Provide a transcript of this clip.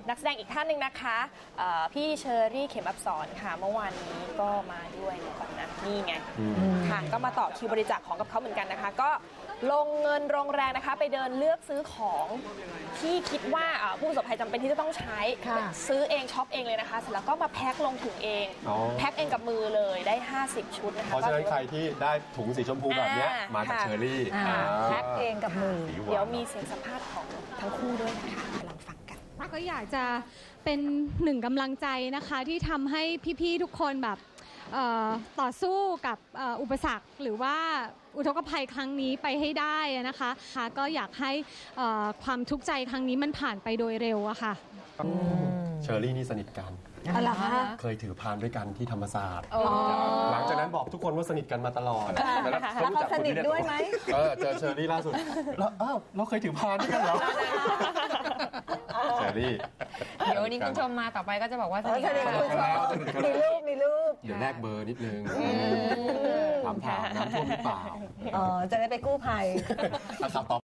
นักแสดงอีกท่านหนึ่งนะคะพี่เชอรี่เข็มอับสรค่ะเมื่อวานนี้ก็มาด้วยก่อนนะนี่ไงค่ะก็มาต่อคิวบริจาคของกับเขาเหมือนกันนะคะก็ลงเงินลงแรงนะคะไปเดินเลือกซื้อของที่คิดว่าผู้ประสบภัยจำเป็นที่จะต้องใช้ซื้อเองช็อปเองเลยนะคะเสร็จแล้วก็มาแพ็คลงถุงเองแพ็คเองกับมือเลยได้50ชุดนะคะเพราะฉะนั้นใครที่ได้ถุงสีชมพูแบบนี้มาจากเชอรี่แพ็คเองกับมือเดี๋ยวมีเสียงสัมภาษณ์ของทั้งคู่ด้วยนะคะลองฟังกันก็อยากจะเป็นหนึ่งกำลังใจนะคะที่ทำให้พี่ๆทุกคนแบบต่อสู้กับอุปสรรคหรือว่าอุทกภัยครั้งนี้ไปให้ได้นะคะก็อยากให้ความทุกข์ใจครั้งนี้มันผ่านไปโดยเร็วอะค่ะเชอรี่นี่สนิทกันเคยถือพานด้วยกันที่ธรรมศาสตร์หลังจากนั้นบอกทุกคนว่าสนิทกันมาตลอดแล้วเขาสนิทด้วยไหมเจอเชอรี่ล่าสุดแล้วเราเคยถือพานด้วยกันเหรอเชอรี่เดี๋ยววันนี้คุณชมมาต่อไปก็จะบอกว่าสนิทกันมีรูปเดี๋ยวแลกเบอร์นิดนึงถามน้ำท่วมหรือเปล่าจะได้ไปกู้ภัยครับ